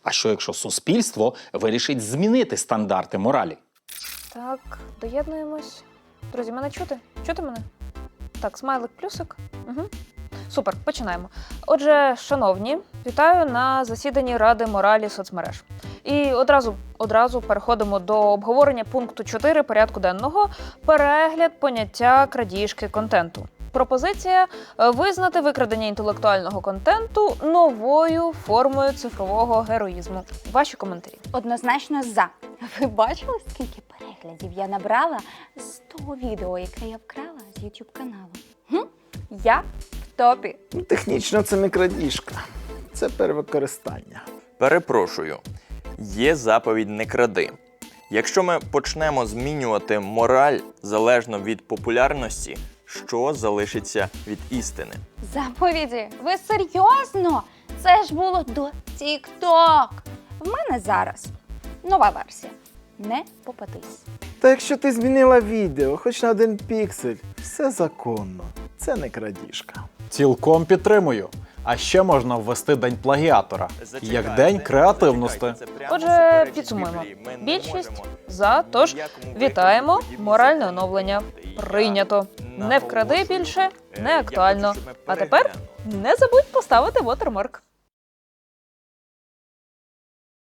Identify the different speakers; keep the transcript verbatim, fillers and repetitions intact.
Speaker 1: А що якщо суспільство вирішить змінити стандарти моралі?
Speaker 2: Так, доєднуємось. Друзі, мене чути? Чути мене? Так, смайлик плюсик. Угу. Супер, починаємо. Отже, шановні, вітаю на засіданні Ради моралі соцмереж. І одразу, одразу переходимо до обговорення пункту чотири порядку денного «Перегляд поняття крадіжки контенту». Пропозиція – визнати викрадення інтелектуального контенту новою формою цифрового героїзму. Ваші коментарі.
Speaker 3: Однозначно за. Ви бачили, скільки переглядів я набрала з того відео, яке я вкрала з ютуб каналу? Хм? Я в топі.
Speaker 4: Ну, технічно це не крадіжка, це перевикористання.
Speaker 5: Перепрошую, є заповідь «не кради». Якщо ми почнемо змінювати мораль залежно від популярності, що залишиться від істини?
Speaker 3: Заповіді? Ви серйозно? Це ж було до тік-ток. В мене зараз нова версія. Не попадись.
Speaker 4: Та якщо ти змінила відео, хоч на один піксель, все законно. Це не крадіжка.
Speaker 6: Цілком підтримую. А ще можна ввести День плагіатора, як День креативності.
Speaker 2: Отже, підсумуємо. Більшість за, тож вітаємо, моральне оновлення. Прийнято. Не вкради більше, не актуально. А тепер не забудь поставити вотермарк.